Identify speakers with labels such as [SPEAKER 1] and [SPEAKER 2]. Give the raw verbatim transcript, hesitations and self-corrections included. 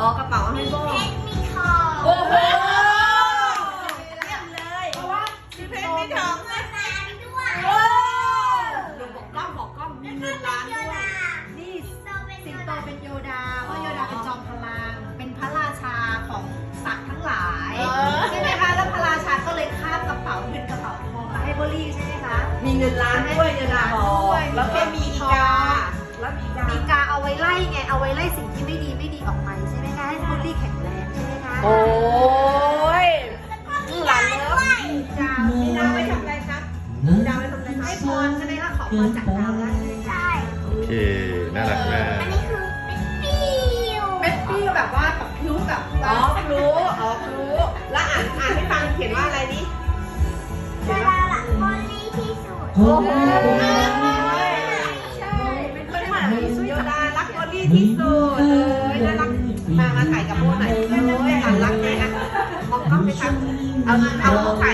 [SPEAKER 1] อกระเป๋าให้โบ
[SPEAKER 2] เพชรมีทอง
[SPEAKER 1] โอ้โห
[SPEAKER 2] เยี่ยมเลย
[SPEAKER 1] เพราะว่ามีเพชรมีทอง
[SPEAKER 2] เงินล้านด้วย
[SPEAKER 1] โอ้เดี๋ยวบอกกล้องบอกกล้องมีเงินล้านด้วย
[SPEAKER 3] นี่
[SPEAKER 2] สิงโตเป็น
[SPEAKER 3] สิ
[SPEAKER 2] โย
[SPEAKER 3] งโต
[SPEAKER 2] ดา
[SPEAKER 3] เป็นโยดาเพราะโยดาเป็นจอมพลัง เป็นพระราชาของสัตว์ทั้งหลาย
[SPEAKER 1] เออ
[SPEAKER 3] ใช่ไหมคะแล้วพระราชาก็เลยคาบกระเป๋าเงินกระเป๋าทองมาให้โบลี่ใช่ไหมคะ
[SPEAKER 1] มีเงินล้านด้วยเงินล้านด้วยแล้วก็มีอีกาแล้วมีอีกา
[SPEAKER 3] มีกาเอาไว้ไล่ไงเอาไว้ไล่สิ่งที่ไม่ดีไม่ดีออกไปใช่ไหมคะให้โบลี่แข็งแรงใช่ไหมคะ
[SPEAKER 1] โอ้ยหลานเลิฟ
[SPEAKER 3] ดาว
[SPEAKER 1] มีดาวไว้ทำอะไรครับมีดาวไว้ทำอะไรครับ
[SPEAKER 3] ให้พรใช่ไหมคะขอพรจากดาวได้เลย
[SPEAKER 2] ใช่
[SPEAKER 4] โอเค น่ารักมาก
[SPEAKER 2] อันนี้คือเป็นปิ้ว
[SPEAKER 3] เป็นปิ้วแบบว่าแบบพิ้วแบบ
[SPEAKER 1] อ๋อรู้อ๋อรู้แล้วอ่านอ่านให้ฟังเขียนว่าอะไรนี่
[SPEAKER 2] โยดาละบอลลี่ที่สุด
[SPEAKER 1] โอ้โห
[SPEAKER 3] ใช่เป็นคนหมา
[SPEAKER 1] โยดารักบอลลี่ที่สุดเลยน่ารักมามาถ่ายกับโบหน่อยเลยหลานรักไหมอ่ะมองกล้องไปทางเอาเอาถ่าย